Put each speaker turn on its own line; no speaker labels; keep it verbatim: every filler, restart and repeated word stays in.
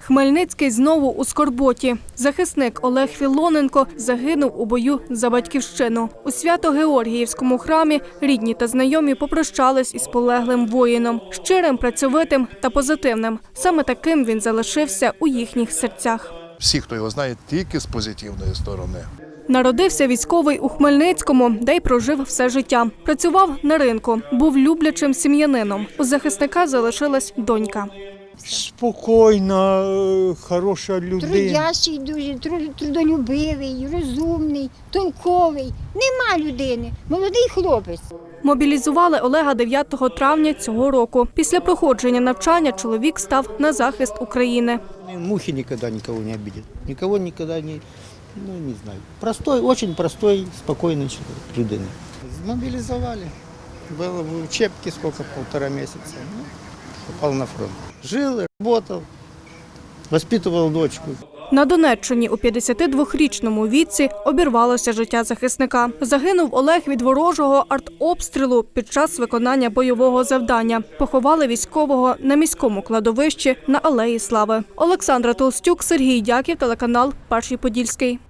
Хмельницький знову у скорботі. Захисник Олег Філоненко загинув у бою за батьківщину. У Свято-Георгіївському храмі рідні та знайомі попрощались із полеглим воїном. Щирим, працьовитим та позитивним. Саме таким він залишився у їхніх серцях.
Всі, хто його знає, тільки з позитивної сторони.
Народився військовий у Хмельницькому, де й прожив все життя. Працював на ринку, був люблячим сім'янином. У захисника залишилась донька.
Спокійна, хороша людина.
Трудящий дуже, трудолюбивий, розумний, толковий. Нема людини. Молодий хлопець.
Мобілізували Олега дев'ятого травня цього року. Після проходження навчання чоловік став на захист України.
Мухи ніколи нікого не обидять. Нікого ніколи не, ну не знаю. Простой, дуже простой, спокійний людина. Мобілізували. Було в учебці скільки, півтора місяця. Ну, попав на фронт. Жив, працював, воспитував дочку.
На Донеччині у п'ятдесятидвохрічному віці обірвалося життя захисника. Загинув Олег від ворожого артобстрілу під час виконання бойового завдання. Поховали військового на міському кладовищі на Алеї Слави. Олександра Толстюк, Сергій Дяків, телеканал «Перший Подільський».